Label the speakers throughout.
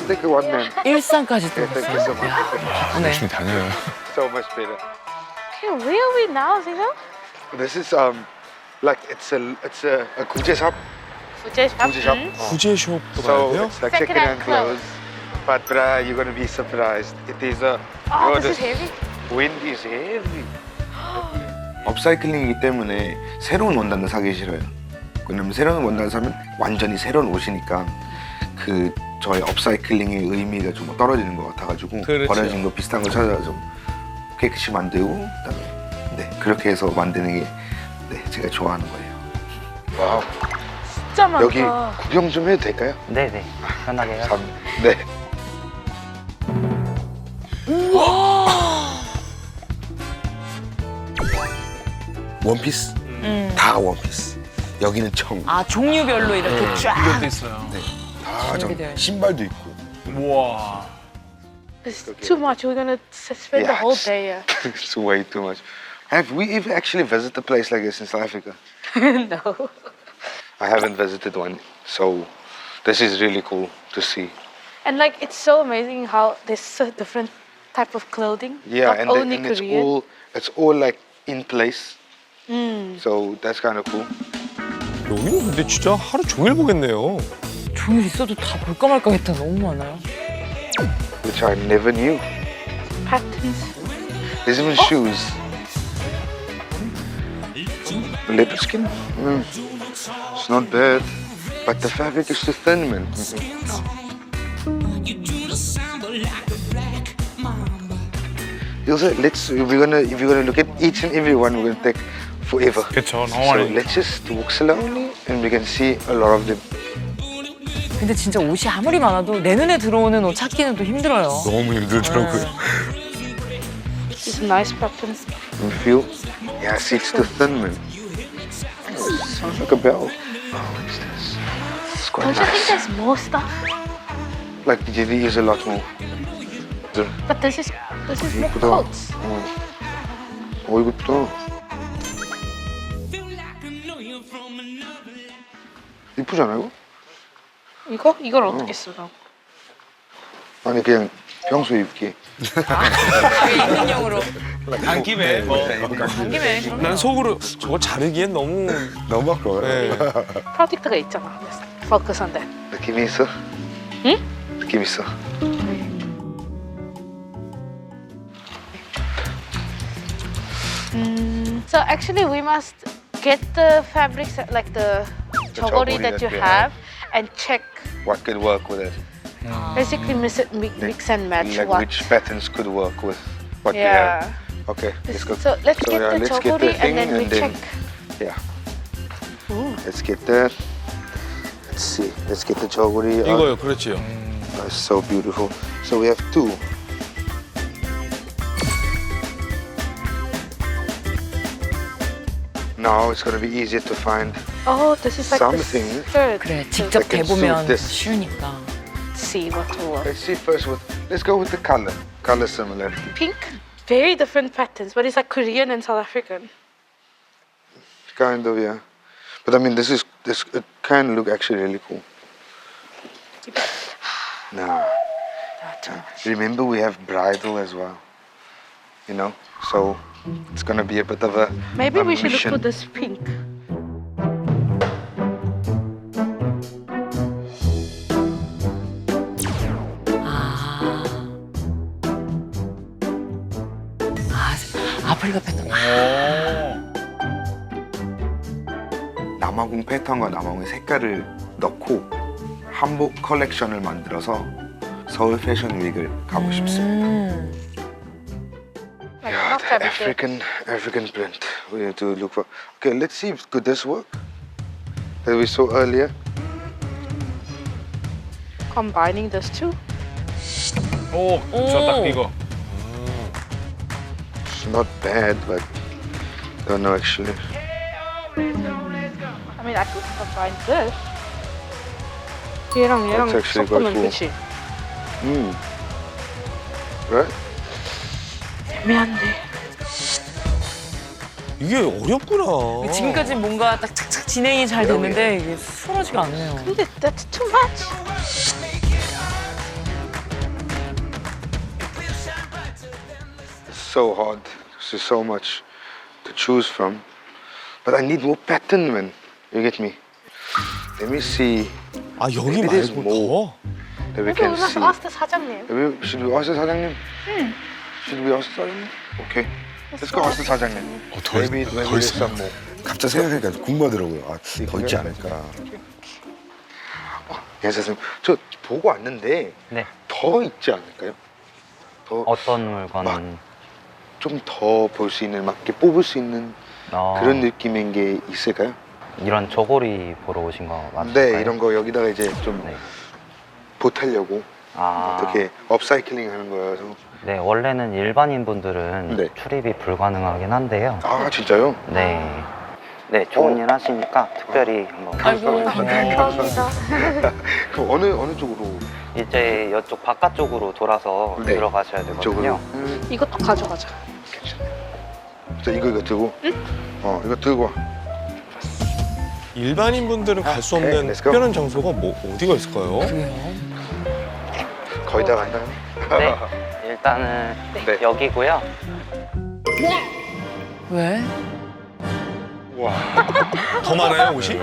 Speaker 1: just take one man.
Speaker 2: 일산까지 또
Speaker 1: Yeah, thank you so
Speaker 2: 갔어요.
Speaker 1: much.
Speaker 2: 야, 바쁘네.
Speaker 3: 열심히 다녀요.
Speaker 1: So much better.
Speaker 4: Okay, where are we now, Zino?
Speaker 1: This is like it's a Gucci shop.
Speaker 4: Fuji shop.
Speaker 1: Gucci shop.
Speaker 3: 구제숍도 가야
Speaker 1: So
Speaker 3: 돼요?
Speaker 1: it's like
Speaker 4: Second-hand
Speaker 1: second-hand clothes. But you're gonna be surprised. It is a.
Speaker 4: Oh, this is heavy.
Speaker 1: Wind is heavy.
Speaker 5: 업사이클링이기 때문에 새로운 원단을 사기 싫어요. 왜냐면 새로운 원단을 사면 완전히 새로운 옷이니까 그 저의 업사이클링의 의미가 좀 떨어지는 것 같아가지고
Speaker 3: 그렇죠.
Speaker 5: 버려진 거 비슷한 거 찾아서 좀 깨끗이 만들고 그다음에 네 그렇게 해서 만드는 게 네, 제가 좋아하는 거예요.
Speaker 1: 와우.
Speaker 4: 진짜 많다.
Speaker 1: 여기 구경 좀 해도 될까요?
Speaker 6: 네네 편하게요.
Speaker 1: 네.
Speaker 5: 원피스 다 원피스. 여기는 청.
Speaker 2: 아, 종류별로 이렇게 쫙.
Speaker 3: 이것도 있어요.
Speaker 5: 다
Speaker 2: 준비되어
Speaker 5: 청. 신발도 있고.
Speaker 3: 우와.
Speaker 4: It's too much. We're gonna spend the whole day here.
Speaker 1: It's way too much. Have we even actually visited a place like this in South Africa?
Speaker 4: No.
Speaker 1: I haven't visited one, so this is really cool to see.
Speaker 4: And like, it's so amazing how there's so different type of clothing.
Speaker 1: Yeah,
Speaker 4: Not
Speaker 1: and,
Speaker 4: only
Speaker 1: and
Speaker 4: Korean.
Speaker 1: it's all like in place.
Speaker 4: Mm.
Speaker 1: So that's kind of cool.
Speaker 3: 여기는 근데 진짜 하루 종일 보겠네요.
Speaker 2: 종일 있어도 다 볼까 말까 했다 너무 많아요.
Speaker 1: Which I never knew.
Speaker 4: Patterns.
Speaker 1: There's even shoes. Leopard skin? It's not bad. But the fabric is too thin, man. Also, if we're gonna look at each and every one, we're gonna take forever.
Speaker 3: 그렇죠. 너무
Speaker 1: So
Speaker 3: 많이.
Speaker 1: let's just walk slowly and we can see a lot of them.
Speaker 2: 근데 진짜 옷이 아무리 많아도 내 눈에 들어오는 옷 찾기는 또 힘들어요.
Speaker 3: 너무 힘들더라고요.
Speaker 4: These nice patterns.
Speaker 1: You feel? Yeah, see, it's too thin, man. Sounds like a bell. Oh, what's this? It's quite
Speaker 4: Don't you think
Speaker 1: nice.
Speaker 4: there's more stuff?
Speaker 1: Like there is a lot more.
Speaker 4: But this is more
Speaker 1: 이쁘다.
Speaker 4: coats.
Speaker 1: 어, 이거 이쁘다. 이쁘지 않아 이거?
Speaker 4: 이걸 어떻게 써? 너?
Speaker 1: 아니 그냥 평소에 입기.
Speaker 2: 입는 용으로.
Speaker 3: 안 김에 뭐.
Speaker 2: 안 김에.
Speaker 3: 난 속으로 저거 자르기엔 너무.
Speaker 5: 너무 아까워요.
Speaker 3: 네.
Speaker 4: 프로젝트가 있잖아. Focus on that.
Speaker 1: 느낌이 있어?
Speaker 4: 응?
Speaker 1: 느낌 있어.
Speaker 4: So actually, we must get the fabrics like the chogori that you have and check.
Speaker 1: What could work with it?
Speaker 4: Basically, mix and match
Speaker 1: Like
Speaker 4: what.
Speaker 1: which patterns could work with what we
Speaker 4: Yeah.
Speaker 1: have. Okay, let's go.
Speaker 4: So let's get the
Speaker 1: let's get
Speaker 4: chogori
Speaker 1: the thing
Speaker 4: and then we check.
Speaker 1: Yeah,
Speaker 4: Ooh.
Speaker 1: let's get that. Let's see. Let's get the chogori.
Speaker 3: 이거요, 그렇지요.
Speaker 1: That's so beautiful. So we have two. Now it's gonna be easier to find.
Speaker 4: Oh, this is like
Speaker 1: Something.
Speaker 4: the skirt.
Speaker 2: 그래, 직접
Speaker 1: I can
Speaker 2: 대보면
Speaker 1: suit this.
Speaker 2: 쉬우니까.
Speaker 4: Let's see what will work.
Speaker 1: Let's see first what. Let's go with the color. Color similar.
Speaker 4: Pink, very different patterns, but it's like Korean and South African.
Speaker 1: Kind of, yeah. But I mean, this it can look actually really cool. No.
Speaker 4: Not too much.
Speaker 1: Remember, we have bridal as well. You know, so it's gonna be a bit of a.
Speaker 4: Maybe
Speaker 1: a
Speaker 4: we should look
Speaker 1: mission.
Speaker 4: for this pink.
Speaker 2: 아. 아프리카 패턴.
Speaker 5: 남아공 패턴과 남아공의 색깔을 넣고 한복 컬렉션을 만들어서 서울 패션 윅을 가고 싶습니다.
Speaker 4: Like
Speaker 1: Yeah,
Speaker 4: not
Speaker 1: the
Speaker 4: fabric.
Speaker 1: African print. We have to look for. Okay, let's see if could this work. That we saw earlier.
Speaker 4: Combining those two.
Speaker 3: 오, 저 딱 이거.
Speaker 1: It's not bad, but don't know actually.
Speaker 4: I mean, I could combine this. 얘랑
Speaker 1: That's actually quite
Speaker 4: 섞으면
Speaker 1: cool.
Speaker 4: 그치?
Speaker 1: Right?
Speaker 4: 애매한데.
Speaker 3: 이게 어렵구나.
Speaker 2: 지금까지 뭔가 딱 착착 진행이 잘 됐는데 이게 수월하지가 않네요.
Speaker 4: 근데 that's too much.
Speaker 1: so hard. There's so much to choose from. But I need more pattern, man. You get me? Let me see.
Speaker 3: 아 여기
Speaker 1: Maybe there's
Speaker 3: 말고
Speaker 1: more.
Speaker 3: 더?
Speaker 1: That we
Speaker 4: 그래서
Speaker 1: can
Speaker 4: we must
Speaker 1: see.
Speaker 4: ask the 사장님.
Speaker 1: Should we ask the 사장님? Should we ask the 사장님? Okay. Let's go ask the 사장님. Maybe there's some more.
Speaker 5: 갑자기 생각하니까 궁금하더라고요. 아, 더 있지 않을까.
Speaker 1: 예, 선생님. 저 보고 왔는데
Speaker 6: 네.
Speaker 1: 더 있지 않을까요? 더
Speaker 6: 어떤 물건?
Speaker 1: 좀 더 볼 수 있는, 막 이렇게 뽑을 수 있는 그런 느낌인 게 있을까요?
Speaker 6: 이런 저고리 보러 오신 거 맞을까요?
Speaker 1: 네, 이런 거 여기다가 이제 좀
Speaker 6: 네.
Speaker 1: 보태려고
Speaker 6: 아,
Speaker 1: 어떻게 업사이클링 하는 거여서.
Speaker 6: 네, 원래는 일반인 분들은
Speaker 1: 네.
Speaker 6: 출입이 불가능하긴 한데요.
Speaker 1: 아, 진짜요?
Speaker 6: 네. 네, 좋은 일 하시니까 특별히 한번.
Speaker 2: 아이고.
Speaker 4: 감사합니다.
Speaker 1: 그럼 어느 쪽으로?
Speaker 6: 이제 이쪽 바깥쪽으로 돌아서
Speaker 1: 네.
Speaker 6: 들어가셔야
Speaker 1: 쪽으로?
Speaker 6: 되거든요.
Speaker 4: 이것도 가져가자.
Speaker 1: 괜찮아요. 자, 이거 들고. 이거 들고 와.
Speaker 3: 일반인 분들은 갈 수 없는
Speaker 1: Okay, let's go.
Speaker 3: 특별한 장소가 뭐 어디가 있을까요?
Speaker 1: 거의 다 간다요?
Speaker 6: 네, 일단은
Speaker 1: 네.
Speaker 6: 여기고요.
Speaker 2: 왜?
Speaker 1: 와.
Speaker 3: 더 많아요 옷이?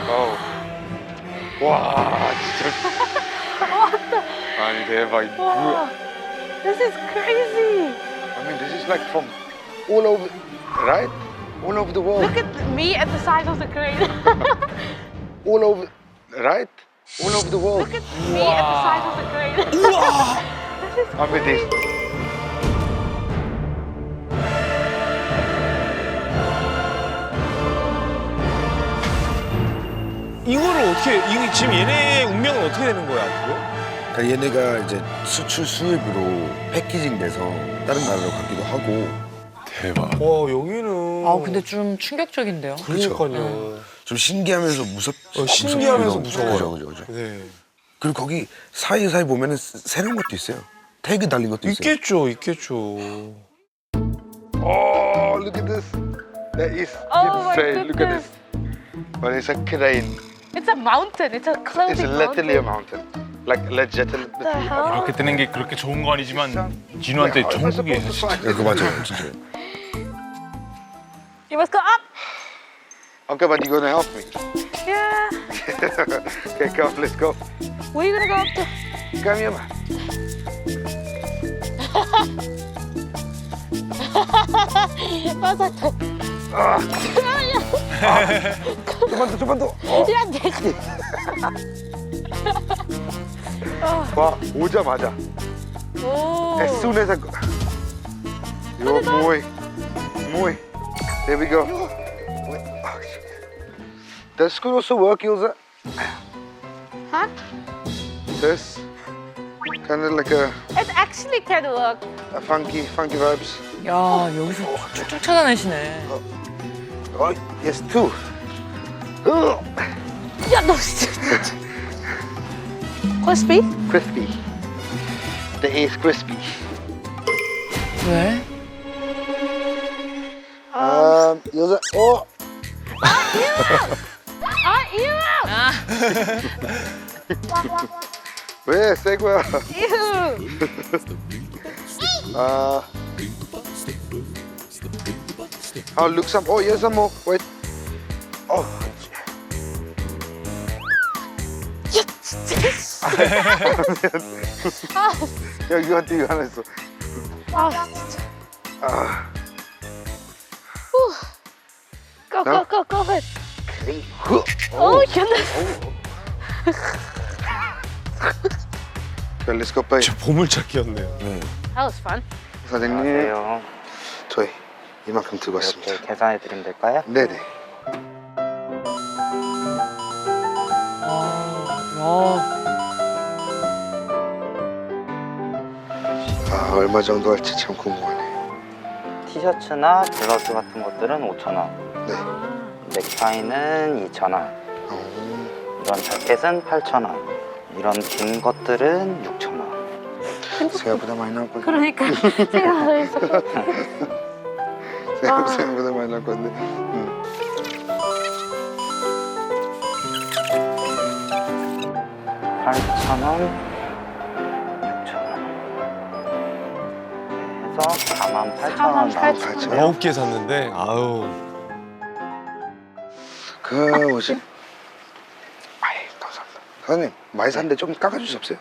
Speaker 1: 와, 진짜. 아니, 대박. 이거 뭐야?
Speaker 4: This is crazy.
Speaker 1: I mean, this is like from all over, right? All over the world.
Speaker 4: Look at me at the size of the crane.
Speaker 1: All over, right? All over the world.
Speaker 4: Look at me at the size of the crane.
Speaker 1: I mean, this.
Speaker 3: 이거를 어떻게 이게 지금 얘네의 운명은 어떻게 되는 거야 앞으로?
Speaker 5: 그러니까 얘네가 이제 수출 수입으로 패키징돼서 다른 나라로 가기도 하고.
Speaker 3: 대박. 와 여기는.
Speaker 2: 아 근데 좀 충격적인데요.
Speaker 3: 그러니까요.
Speaker 5: 좀 신기하면서
Speaker 3: 신기하면서
Speaker 5: 무섭기도
Speaker 3: 무서워요.
Speaker 5: 그죠, 그죠.
Speaker 3: 네.
Speaker 5: 그리고 거기 사이사이 보면은 새로운 것도 있어요. 태그 달린 것도 있어요.
Speaker 3: 있겠죠.
Speaker 1: Oh, look at this. That is
Speaker 4: Oh my
Speaker 1: insane. Look at
Speaker 4: goodness.
Speaker 1: this. But it's a crane.
Speaker 4: It's a mountain. It's a
Speaker 1: It's
Speaker 4: clothing
Speaker 1: literally a
Speaker 4: mountain.
Speaker 1: mountain. Like legit.
Speaker 4: What the hell?
Speaker 7: 이렇게 뜨는 게 그렇게 좋은 거 아니지만 진우한테 천국이에요 진짜.
Speaker 5: 야, 그거 맞아요, 진짜.
Speaker 4: You must go up.
Speaker 1: Okay, but you're gonna help me.
Speaker 4: Yeah.
Speaker 1: Okay, come, let's go.
Speaker 4: Where are you gonna go up to?
Speaker 1: Come here, man.
Speaker 4: 맞아.
Speaker 1: 좀만 더.
Speaker 4: 야, 내가.
Speaker 1: 와, 오자마자.
Speaker 4: 오.
Speaker 1: As soon as I go. Yo, muy. There we go. Wait, oh, shit. Does school also work, Ilza?
Speaker 4: Huh?
Speaker 1: This kind of like a
Speaker 4: It actually can work.
Speaker 1: funky vibes.
Speaker 2: 야 여기서 쭉쭉 찾아내시네.
Speaker 1: Oh, yes, two.
Speaker 4: 야, 너 진짜. Crispy?
Speaker 1: Crispy. The A is crispy.
Speaker 2: 왜?
Speaker 1: Ilza. Oh,
Speaker 4: 아, ew!
Speaker 1: 왜 새 거야?
Speaker 4: Ew!
Speaker 1: I'll look some. Oh, here's some more. Wait. Oh. 여기한테 이거 하나 있어.
Speaker 4: 아, 진짜.
Speaker 1: 아.
Speaker 4: Go, go, go, go ahead.
Speaker 1: 후.
Speaker 4: Oh, goodness.
Speaker 1: Okay, let's go pay.
Speaker 3: 저 보물찾기였네요.
Speaker 4: That was fun.
Speaker 1: 사장님,
Speaker 6: 안녕하세요.
Speaker 1: 저희 이만큼 들고 왔습니다.
Speaker 6: 이렇게 계산해 드리면 될까요?
Speaker 1: 네네. 아, 얼마 정도 할지 참 궁금하네.
Speaker 6: 티셔츠나 블러스 같은 것들은 5,000원.
Speaker 1: 네.
Speaker 6: 넥타이는 2,000원. 이런 자켓은 8,000원. 이런 긴 것들은 6,000원.
Speaker 1: 생각보다 많이 나올 건데.
Speaker 4: 그러니까 생각을 했어.
Speaker 1: 생각보다 많이 나올 건데.
Speaker 6: 8,000원, 6,000원. 해서 4만 48,000원 나왔어요.
Speaker 3: 9개 샀는데 아우.
Speaker 5: 그 뭐지? 아이 감사합니다. 사장님 많이 샀는데 좀 깎아줄 수 없어요?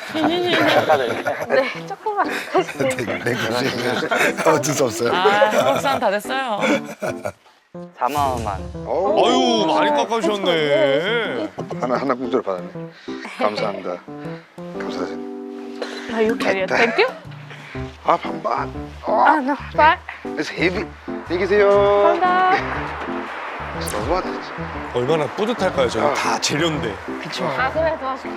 Speaker 4: 네, 조금만 하세요.
Speaker 5: 네, 어쩔 수 없어요.
Speaker 2: 한국사람 다 됐어요.
Speaker 6: 4만 원만.
Speaker 3: 아유 많이 깎아주셨네.
Speaker 5: 하나 공짜로 받았네. 감사합니다. 감사합니다.
Speaker 4: No, you carry it. Thank you.
Speaker 5: 아 반반.
Speaker 4: Ah, no, bye.
Speaker 5: It's heavy. 안녕히 계세요.
Speaker 4: 감사합니다.
Speaker 5: 너무하다 진짜.
Speaker 3: 얼마나 뿌듯할까요? 저는 다 재료인데.
Speaker 2: 그쵸.
Speaker 4: 아, 그래, 도와줄게.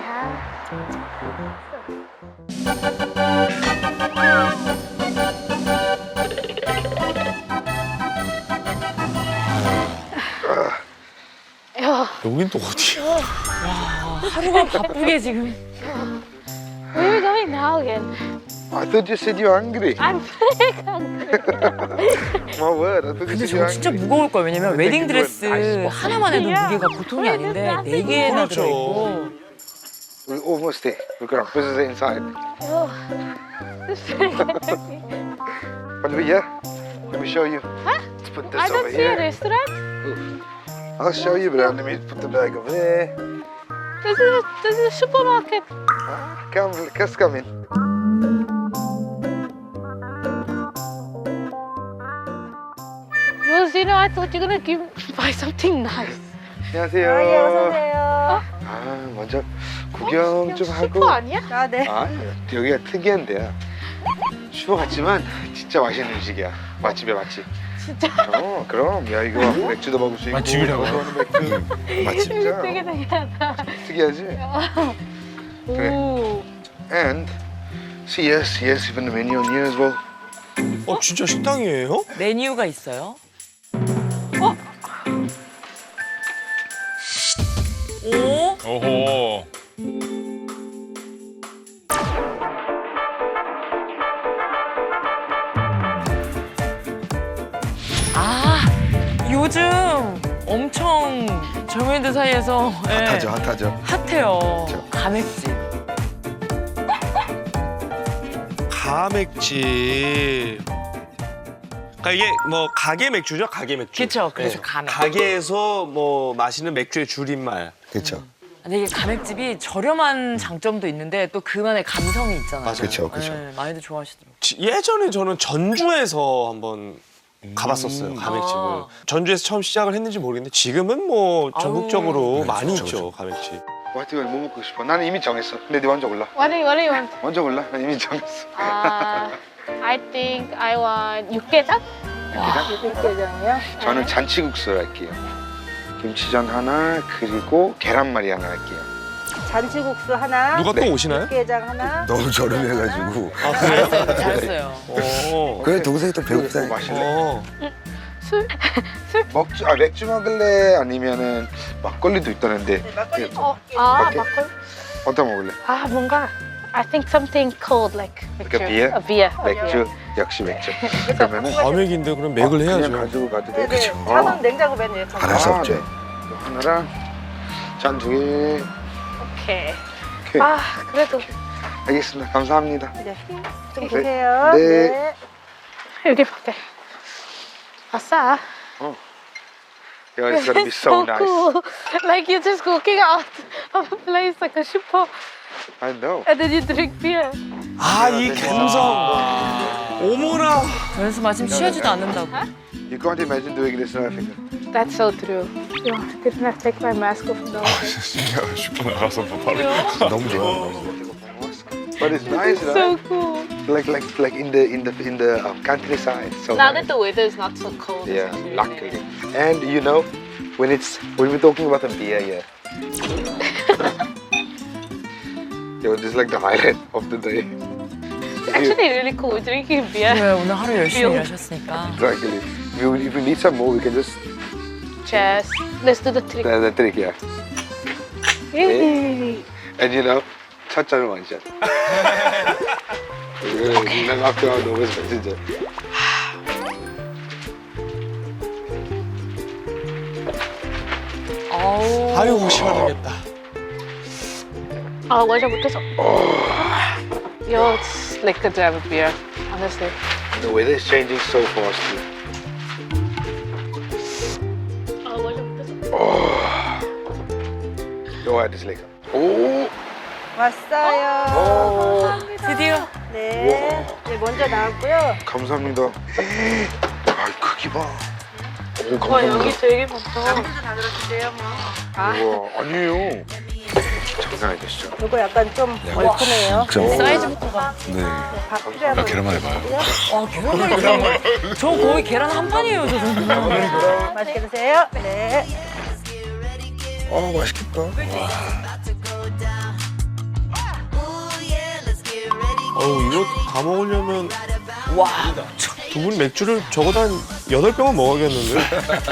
Speaker 4: 야,
Speaker 3: 여긴 또 어디야?
Speaker 2: 하루가 바쁘게 지금.
Speaker 4: where are we going now again?
Speaker 5: I thought you said you're hungry.
Speaker 4: I'm very hungry.
Speaker 5: My word. I thought you
Speaker 2: 근데
Speaker 5: said
Speaker 2: 저거
Speaker 5: you're
Speaker 2: 진짜
Speaker 5: hungry.
Speaker 2: 무거울 거예요. 왜냐면 웨딩 드레스
Speaker 5: 아이스
Speaker 2: 하나만 해도 무게가 보통이 아닌데 4개나
Speaker 3: 그렇죠.
Speaker 2: 들어있고.
Speaker 5: We almost there. We're gonna put it inside.
Speaker 4: Oh, this is very heavy.
Speaker 5: But yeah, let me show you. Let's put this
Speaker 4: I
Speaker 5: over
Speaker 4: don't see a
Speaker 5: here.
Speaker 4: restaurant.
Speaker 5: I'll show you, but let me put the bag over there.
Speaker 4: This is a supermarket.
Speaker 5: Come, let's come in.
Speaker 4: Jules, you know, I thought you were gonna buy something nice.
Speaker 5: 안녕하세요. 먼저 구경 좀 하고.
Speaker 4: 슈퍼 아니야?
Speaker 8: 아, 네.
Speaker 5: 여기가 특이한 데야. 슈퍼 같지만 진짜 맛있는 음식이야. 맛집이야, 맛집.
Speaker 4: 진짜?
Speaker 5: 그럼. 야, 이거 맥주도 먹을 수 있고.
Speaker 7: 맛집이라고요?
Speaker 5: 먹는 맥주. 맛집이야.
Speaker 4: 되게 특이하다.
Speaker 5: 특이하지? 그래.
Speaker 4: 오.
Speaker 5: And see, yes, even the menu on here as well.
Speaker 3: 진짜 식당이에요?
Speaker 2: 메뉴가 있어요. 오?
Speaker 7: 오호.
Speaker 2: 아, 요즘 엄청 젊은이들 사이에서 예,
Speaker 5: 핫하죠.
Speaker 2: 핫해요.
Speaker 5: 그쵸.
Speaker 2: 가맥집.
Speaker 3: 가맥집. 그러니까 이게 뭐 가게 맥주죠, 가게 맥주.
Speaker 2: 그쵸, 그래서 가맥.
Speaker 3: 가게에서 뭐 마시는 맥주의 줄임말.
Speaker 5: 그렇죠.
Speaker 2: 근데 이게 가맥집이 저렴한 장점도 있는데 또 그만의 감성이 있잖아요.
Speaker 3: 맞아요.
Speaker 5: 그쵸.
Speaker 2: 예, 많이들 좋아하시더라고요.
Speaker 3: 예전에 저는 전주에서 한번 가봤었어요, 가맥집을.
Speaker 2: 아.
Speaker 3: 전주에서 처음 시작을 했는지 모르겠는데 지금은 뭐 전국적으로
Speaker 5: 아유.
Speaker 3: 많이
Speaker 5: 그쵸,
Speaker 3: 있죠, 가맥집.
Speaker 5: 와이트가 뭐 먹고 싶어? 나는 이미 정했어. 근데 네 먼저 골라.
Speaker 4: What do you want?
Speaker 5: 먼저 골라. 난 이미 정했어.
Speaker 4: I think I want 육개장?
Speaker 8: 육개장이요?
Speaker 5: 저는 잔치국수 할게요. 김치전 하나 그리고 계란말이 하나 할게요.
Speaker 8: 잔치국수 하나,
Speaker 3: 누가 또 오시나요?
Speaker 8: 육개장 하나.
Speaker 5: 너무 저렴해가지고.
Speaker 3: 아, 그래요?
Speaker 2: 잘했어요.
Speaker 5: 그래 동생이 또 배고프다. 마실래?
Speaker 4: 술?
Speaker 5: 맥주 먹을래? 아니면은 막걸리도 있다는데.
Speaker 8: 막걸리
Speaker 5: 밖에?
Speaker 4: 막걸리?
Speaker 5: 어떤 먹을래?
Speaker 4: 뭔가 I think something cold like
Speaker 5: Like a beer?
Speaker 4: A beer.
Speaker 5: 맥주. 역시 맥주. 그러면은
Speaker 3: 가맥인데 그럼 맥을
Speaker 5: 그냥
Speaker 3: 해야죠.
Speaker 5: 가지고 가도 돼.
Speaker 8: 네네.
Speaker 5: 그쵸?
Speaker 8: 차는 냉장고 메뉴에 다
Speaker 5: 알아서
Speaker 8: 나와요.
Speaker 5: 없죠. 하나랑 잔 2개.
Speaker 4: 오케이.
Speaker 5: 오케이.
Speaker 4: 그래도
Speaker 5: 알겠습니다. 감사합니다.
Speaker 8: 네. 좀
Speaker 5: 네.
Speaker 8: 보세요.
Speaker 5: 네.
Speaker 4: 여기 밖에. 아싸.
Speaker 5: Yeah, it's gonna be so nice.
Speaker 4: cool. Like you're just walking out of a place like a super
Speaker 5: I know.
Speaker 4: and then you drink beer.
Speaker 3: 아, 이 감성. 어머나.
Speaker 2: 저에서 마침 취하지도 않는다고.
Speaker 5: You can't imagine doing this in Africa.
Speaker 4: That's so true. Yo, didn't I take my mask off now?
Speaker 7: 슈퍼 나가서 뭐 바로.
Speaker 5: 너무 좋아. 너무 좋아. But it's nice,
Speaker 4: So
Speaker 5: right?
Speaker 4: cool.
Speaker 5: Like in the countryside. So
Speaker 4: Now
Speaker 5: nice.
Speaker 4: that the weather is not so cold.
Speaker 5: Yeah,
Speaker 4: it's really
Speaker 5: luckily. And you know, when we're talking about a beer, yeah. Yo, this is like the highlight of the day.
Speaker 4: It's actually really cool drinking beer.
Speaker 2: 왜 오늘 하루 열심히
Speaker 4: 뿅.
Speaker 2: 일하셨으니까.
Speaker 5: Exactly. If we need some more, we can just
Speaker 4: Cheers. Let's do the trick.
Speaker 5: the trick, yeah.
Speaker 4: Yay.
Speaker 5: And you know, 첫 잔을 완샷. 난 앞에 너무 좋아, 진짜.
Speaker 2: 아우.
Speaker 3: 아유, 시원하겠다.
Speaker 4: 완전 못해서. Yo, it's like a jam beer, honestly.
Speaker 5: The weather is changing so fast. Go ahead, it's lekker. Oh,
Speaker 8: 왔어요.
Speaker 2: 드디어.
Speaker 8: 네. 네, 먼저 나왔고요.
Speaker 5: 감사합니다. 아, 크기 봐. 오,
Speaker 4: 와
Speaker 5: 감사합니다.
Speaker 4: 여기 되게 많다.
Speaker 8: 먼저 다 들어주세요, 뭐.
Speaker 5: 우와, 아니에요. 장난 아니시죠?
Speaker 8: 이거 약간 좀 얼큰해요.
Speaker 2: 사이즈부터가.
Speaker 5: 네.
Speaker 8: 밥 필요하면
Speaker 5: 계란말 해봐요.
Speaker 2: 와 계란말이. 저 거의 계란 한 판이에요 저 정도.
Speaker 8: 맛있게 드세요. 네.
Speaker 5: 아, 맛있겠다.
Speaker 3: 어우 이거 다 먹으려면
Speaker 2: 와.
Speaker 3: 두 분 맥주를 적어도 한 8병은 먹어야겠는데?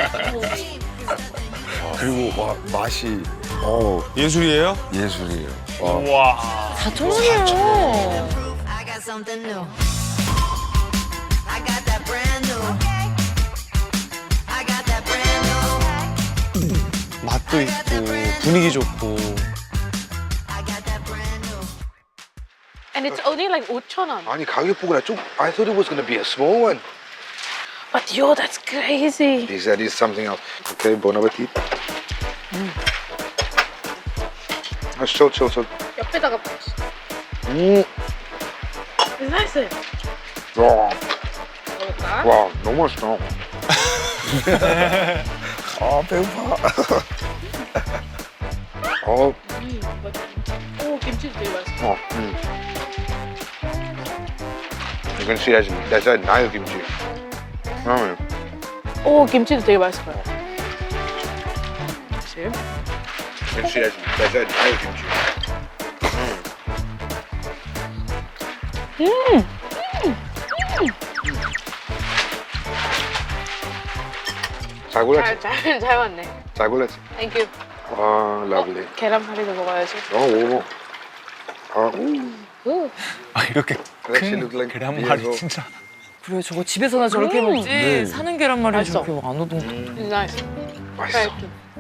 Speaker 5: 그리고 와, 맛이
Speaker 3: 예술이에요?
Speaker 5: 예술이에요.
Speaker 7: 와.
Speaker 2: 4,000원이에요.
Speaker 9: I got something new. I got that brand new. I got that brand new.
Speaker 3: 맛도 있고 분위기 좋고.
Speaker 9: I got that brand new.
Speaker 4: And it's only like 5,000원.
Speaker 5: 아니, 가격 보고 나 좀, I thought it was gonna be a small one.
Speaker 4: But yo, that's crazy.
Speaker 5: That is something else. Okay, bon appetit. 아, chill.
Speaker 4: 옆에다가 나이스.
Speaker 5: 와,
Speaker 4: 먹을까?
Speaker 5: 와, 너무 맛있다. 아, 배고파.
Speaker 4: 오 김치도 되게 맛있어.
Speaker 5: You can see that's a nice kimchi.
Speaker 4: 오 김치도 되게 맛있어. 그치?
Speaker 5: You can see that's a nice kimchi. 잘 골랐지?
Speaker 4: 잘 왔네.
Speaker 5: 잘 골랐지?
Speaker 4: 땡큐.
Speaker 5: 아, lovely.
Speaker 4: 계란말이도 먹어야지.
Speaker 5: 오. 아, 오.
Speaker 7: 아 이렇게
Speaker 5: Actually
Speaker 7: 큰
Speaker 5: look like
Speaker 7: 계란말이
Speaker 5: beautiful.
Speaker 7: 진짜.
Speaker 2: 그래 저거 집에서나 저렇게 먹지. 사는 계란말이
Speaker 4: 맛있어.
Speaker 2: 저렇게 안 오던.
Speaker 4: 나이스.
Speaker 5: 맛있어.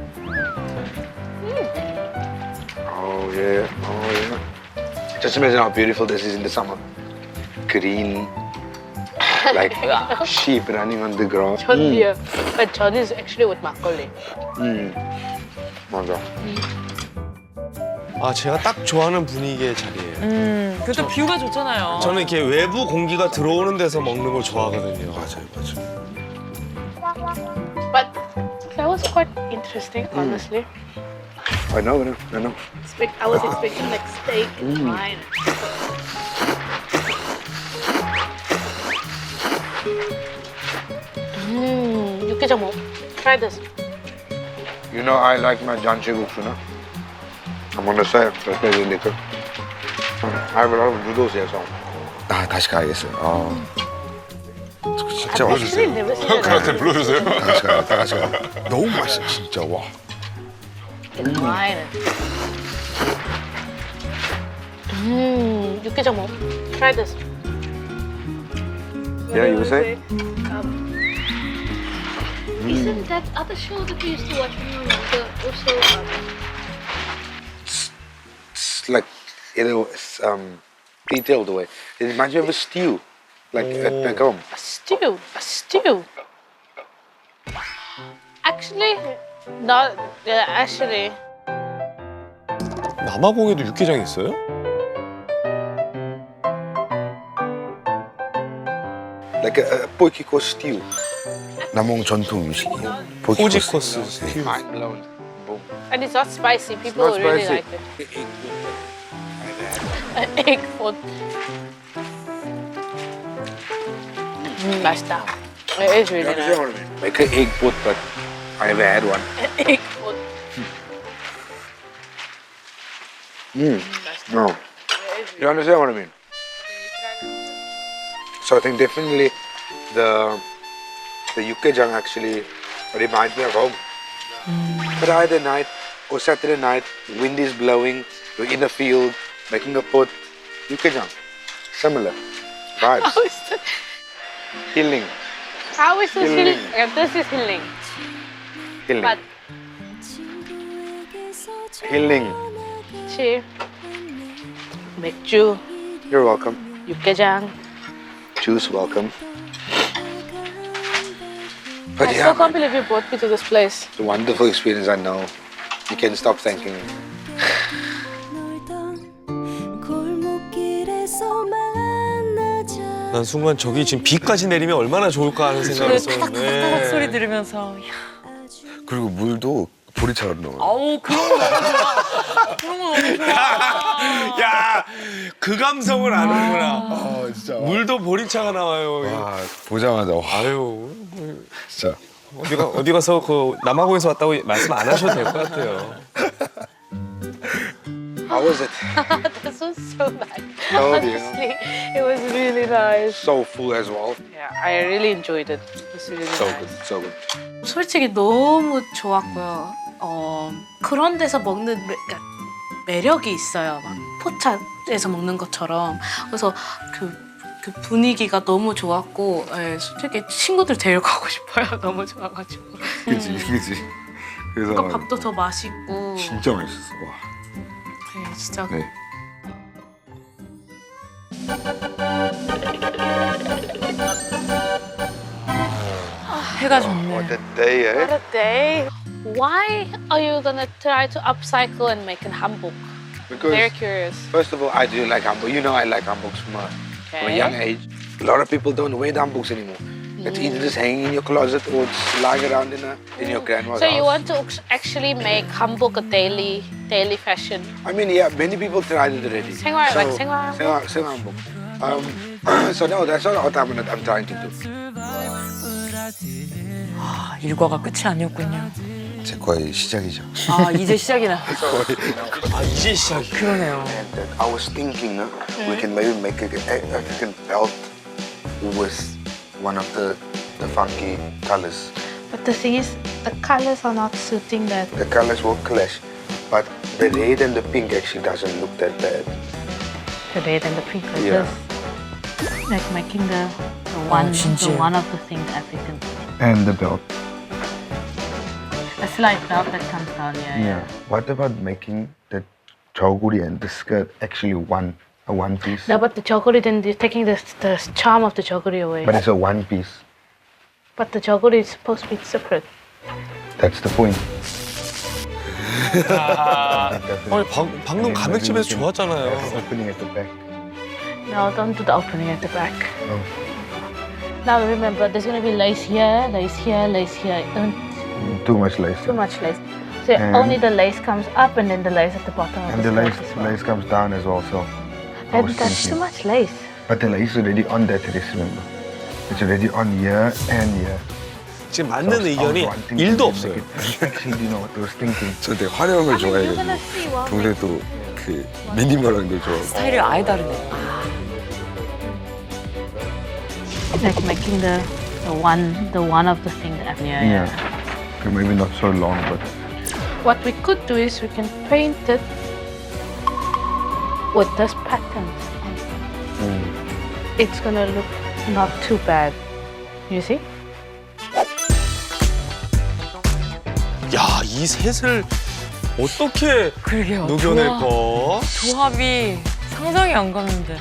Speaker 5: Oh yeah. Just imagine how beautiful this is in the summer. Green, like sheep running on the ground.
Speaker 4: 전이야. But 전 is actually with 막걸리.
Speaker 5: 맞아.
Speaker 3: 아 제가 딱 좋아하는 분위기의 자리예요.
Speaker 2: 그것도 뷰가 좋잖아요.
Speaker 3: 저는 이렇게 외부 공기가 들어오는 데서 먹는 걸 좋아하거든요.
Speaker 5: 맞아요.
Speaker 4: But that was quite interesting, honestly.
Speaker 5: I know.
Speaker 4: I was expecting like steak and wine. 육개장 먹. Try this.
Speaker 5: You know I like my jancheguksu, no? I'm gonna say it, especially liquor. I have a lot of noodles here, so. 아, 다시 가야겠어요. 진짜
Speaker 4: I actually never seen it.
Speaker 7: 저한테 불러주세요.
Speaker 5: 다 같이 가요. 너무 맛있어, 진짜. 와.
Speaker 4: Wine. 육개장 먹. Try this.
Speaker 5: Yeah, you say?
Speaker 10: Isn't that other show that we used to watch when we were younger also?
Speaker 5: It's like, it's detailed way. It reminds me of a stew, like at home.
Speaker 4: A stew. Actually, not. Yeah, actually.
Speaker 3: 남아공에도 육개장이 있어요?
Speaker 5: Like a poikiko stew. 남홍 전통 음식이에요.
Speaker 3: 포지코스 스튜.
Speaker 5: Mind blown. Boom.
Speaker 4: And it's not spicy. People
Speaker 5: Not
Speaker 4: really
Speaker 5: spicy.
Speaker 4: like it. Egg food. 맛있다. It is really nice.
Speaker 5: Like an egg pot, but I never had one.
Speaker 4: Egg food.
Speaker 5: No. You understand what I mean? So I think definitely the Yukkejang actually reminds me of home. Friday night or Saturday night, wind is blowing, you're in a field, making a pot. Yukkejang. Similar. Vibes.
Speaker 4: How is that?
Speaker 5: Healing.
Speaker 4: How is this
Speaker 5: Healing.
Speaker 4: healing? Yeah, this is healing.
Speaker 5: Healing.
Speaker 4: But
Speaker 5: Healing.
Speaker 4: 치 맥주,
Speaker 5: You're welcome.
Speaker 4: 육개장.
Speaker 5: Juice, welcome.
Speaker 4: I
Speaker 5: But
Speaker 4: still
Speaker 5: yeah,
Speaker 4: can't believe you brought me to this place.
Speaker 5: it's a wonderful experience, I know. You can stop thanking me.
Speaker 3: 난 순간 저기 지금 비까지 내리면 얼마나 좋을까 하는 생각을 했었는데.
Speaker 2: 타닥타닥 소리 들으면서 야,
Speaker 1: 그리고 물도 보리차로 나와요.
Speaker 2: 아우 그런 거 너무 좋아. 그런 거 너무 좋아.
Speaker 3: 야, 그 감성을 아는구나.
Speaker 1: 아 진짜.
Speaker 3: 물도 보리차가 나와요.
Speaker 1: 와 보자마자 와
Speaker 3: 아유,
Speaker 1: 진짜.
Speaker 3: 어디 가서 그 남아공에서 왔다고 말씀 안 하셔도 될 것 같아요.
Speaker 5: How was it?
Speaker 4: This was so nice.
Speaker 5: Oh, dear.
Speaker 4: Honestly, it was really nice.
Speaker 5: So full as well.
Speaker 4: Yeah, I really enjoyed it. It was really
Speaker 5: So
Speaker 4: nice.
Speaker 5: good, so good.
Speaker 11: 솔직히 너무 좋았고요. 그런 데서 먹는 그러니까 매력이 있어요. 막 포차에서 먹는 것처럼. 그래서 그 분위기가 너무 좋았고, 예, 솔직히 친구들 데리고 가고 싶어요. 너무 좋아가지고.
Speaker 1: 그지 그지. 그래서
Speaker 11: 그러니까 밥도 더 맛있고.
Speaker 1: 진짜 맛있었어. 와.
Speaker 11: 네, 진짜.
Speaker 1: 네.
Speaker 2: 해가 좋네.
Speaker 1: What a day, eh?
Speaker 4: What a day. Why are you gonna try to upcycle and make a hanbok?
Speaker 5: Because
Speaker 4: Very curious.
Speaker 5: first of all, I do like hanbok. You know I like hanboks from a young age. A lot of people don't wear hanboks anymore. It's either just hanging in your closet or it's lying around in your grandma's
Speaker 4: So
Speaker 5: house.
Speaker 4: you want to actually make hanbok a daily fashion?
Speaker 5: I mean, yeah, many people tried it already.
Speaker 4: 생활, like 생활 hanbok?
Speaker 5: 생활 hanbok. So no, that's not what I'm trying to do.
Speaker 2: 아, 일과가 끝이 아니었군요.
Speaker 1: 제 거의 시작이죠.
Speaker 2: 아 이제 시작이나.
Speaker 3: 아, 이제 시작이.
Speaker 2: 그러네요.
Speaker 5: And I was thinking, we can maybe make a belt with one of the funky colors.
Speaker 4: But the thing is, the colors are not suiting that.
Speaker 5: The colors will clash, but the red and the pink actually doesn't look that bad.
Speaker 4: The red and the pink like
Speaker 5: Yeah.
Speaker 4: this. Like making the one of the things African.
Speaker 1: And the belt.
Speaker 4: A slight belt that comes down here.
Speaker 1: Yeah. What about making the joguri and the skirt actually a one piece?
Speaker 4: No, but the joguri, then you're taking the charm of the joguri away.
Speaker 1: But it's a one piece.
Speaker 4: But the joguri is supposed to be separate.
Speaker 1: That's the point.
Speaker 3: 아니, 방금 가맥집에서 좋았잖아요.
Speaker 1: Opening at the back.
Speaker 4: No, don't do the opening at the back.
Speaker 1: Oh.
Speaker 4: Now remember, there's going to be lace here, lace here, lace here. Don't
Speaker 1: Too much lace.
Speaker 4: too much lace. So
Speaker 1: And-
Speaker 4: only the lace comes up and then the lace at the bottom of
Speaker 1: And
Speaker 4: the
Speaker 1: the
Speaker 4: skirt as well.
Speaker 1: lace comes down as well, so. I
Speaker 4: That,
Speaker 1: was
Speaker 4: that's too
Speaker 1: thinking.
Speaker 4: much lace.
Speaker 1: But the lace is already on that dress, remember? It's already on here and here.
Speaker 3: 지금
Speaker 1: So I
Speaker 3: 맞는
Speaker 1: was
Speaker 3: 의견이
Speaker 1: wanting to
Speaker 3: 1도
Speaker 1: make
Speaker 3: 없어요.
Speaker 1: it perfectly, you know what I was thinking.
Speaker 12: 저 되게 화려한 걸
Speaker 4: You're
Speaker 12: 좋아해가지고
Speaker 4: gonna see what
Speaker 12: 동생도 그 미니멀한 걸 좋아하고
Speaker 2: 스타일이 아예 다르네.
Speaker 4: like making the one of the things that
Speaker 1: Yeah. Okay, maybe not so long, but
Speaker 4: What we could do is we can paint it with this pattern. It's gonna look not too bad. You see?
Speaker 3: 야, 이 셋을 어떻게
Speaker 2: 그러게요.
Speaker 3: 녹여낼까?
Speaker 2: 조합이 상상이 안 가는데.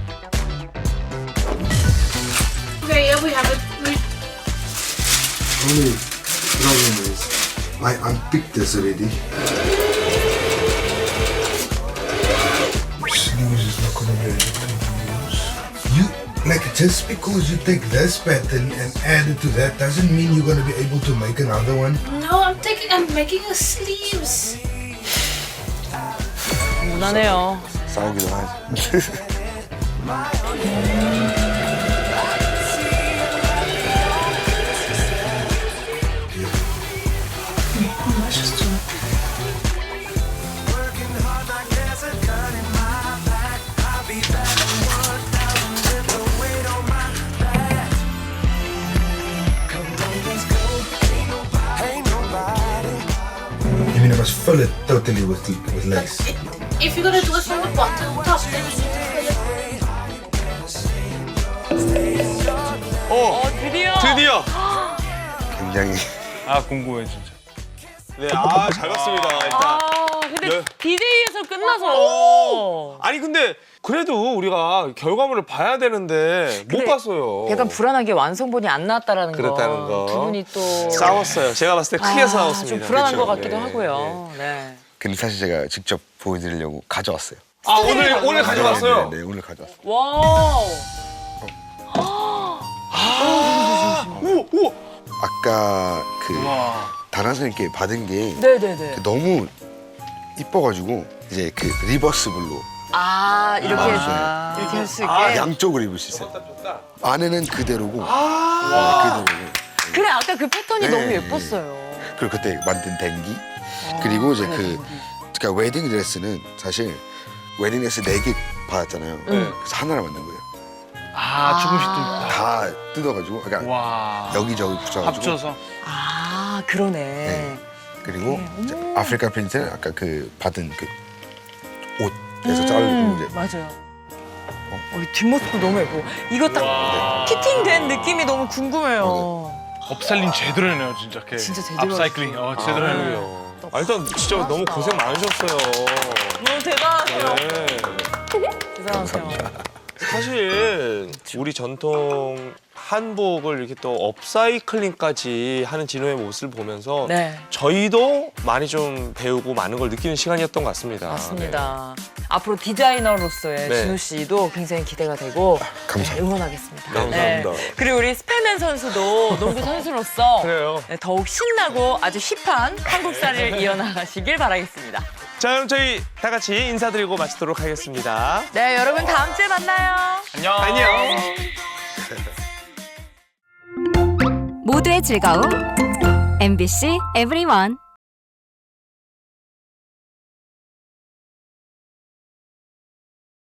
Speaker 11: Okay, here we have it.
Speaker 1: only problem is I unpicked this already. Sleeves is not gonna be able to use. You like just because you take this pattern and add it to that doesn't mean you're gonna be able to make another one.
Speaker 11: No, I'm making a sleeves.
Speaker 2: 무난해요.
Speaker 12: 싸우기도 하지.
Speaker 1: You mean I must fill it totally with lace?
Speaker 11: If you're gonna do it from the bottom top, then you need to fill it.
Speaker 3: 드디어!
Speaker 12: 굉장히
Speaker 7: 아 궁금해 진짜.
Speaker 3: 네, 아, 잘 봤습니다. 일단.
Speaker 2: 아 근데 D-Day에서 끝나서
Speaker 3: 아니 근데 그래도 우리가 결과물을 봐야 되는데 못
Speaker 2: 근데
Speaker 3: 봤어요.
Speaker 2: 약간 불안하게 완성본이 안 나왔다라는
Speaker 3: 그렇다는 거.
Speaker 2: 두 분이 또
Speaker 3: 싸웠어요. 제가 봤을 때 크게 싸웠습니다.
Speaker 2: 좀 불안한
Speaker 3: 그렇죠.
Speaker 2: 것 같기도
Speaker 3: 네,
Speaker 2: 하고요. 네.
Speaker 12: 근데 사실 제가 직접 보여드리려고 가져왔어요.
Speaker 3: 아 오늘 가져갔어요?
Speaker 12: 네, 오늘 가져왔어요.
Speaker 2: 와우.
Speaker 3: 우와.
Speaker 12: 아까 그 다나선님께 받은 게
Speaker 2: 네네네.
Speaker 12: 너무 이뻐가지고 이제 그 리버스블로
Speaker 2: 이렇게 이렇게 할 수 있게.
Speaker 12: 양쪽을 입을 수 있어요. 안에는 그대로고 네, 그대로고.
Speaker 2: 그래 아까 그 패턴이
Speaker 12: 네.
Speaker 2: 너무 예뻤어요.
Speaker 12: 그리고 그때 만든 댕기 그리고 이제 그러니까 웨딩 드레스는 사실 웨딩 드레스 4개 받았잖아요. 그래서 하나를 만든 거예요.
Speaker 7: 조금씩 또.
Speaker 12: 다 뜯어가지고 그러니까
Speaker 7: 와.
Speaker 12: 여기저기 붙여가지고.
Speaker 7: 합쳐서.
Speaker 2: 그러네.
Speaker 12: 네. 그리고 이제 아프리카 프린트는 아까 그 받은 그 옷에서 자르고 이제
Speaker 2: 맞아요. 우리 뒷모습도 너무 예쁘고 이거 딱 피팅된 느낌이 너무 궁금해요.
Speaker 7: 업살림 제대로 해네요 진짜. 이렇게.
Speaker 2: 진짜 제대로
Speaker 7: 업사이클링 제대로 해네요.
Speaker 3: 일단 진짜 너무 고생 많으셨어요.
Speaker 2: 너무 대단하세요.
Speaker 3: 네.
Speaker 2: 대단하세요.
Speaker 3: 사실 우리 전통 한복을 이렇게 또 업사이클링까지 하는 진호의 모습을 보면서
Speaker 2: 네.
Speaker 3: 저희도 많이 좀 배우고 많은 걸 느끼는 시간이었던 것 같습니다.
Speaker 2: 맞습니다. 앞으로 디자이너로서의
Speaker 3: 네.
Speaker 2: 진우 씨도 굉장히 기대가 되고
Speaker 12: 감사합니다.
Speaker 2: 네, 응원하겠습니다.
Speaker 3: 감사합니다.
Speaker 2: 그리고 우리 스펠맨 선수도 농구 선수로서
Speaker 3: 그래요.
Speaker 2: 네, 더욱 신나고 아주 힙한 한국사를 이어나가시길 바라겠습니다.
Speaker 3: 자, 그럼 저희 다 같이 인사드리고 마치도록 하겠습니다.
Speaker 2: 네, 여러분 다음 주에 만나요.
Speaker 3: 안녕.
Speaker 13: 모두의 즐거움 MBC EVERYONE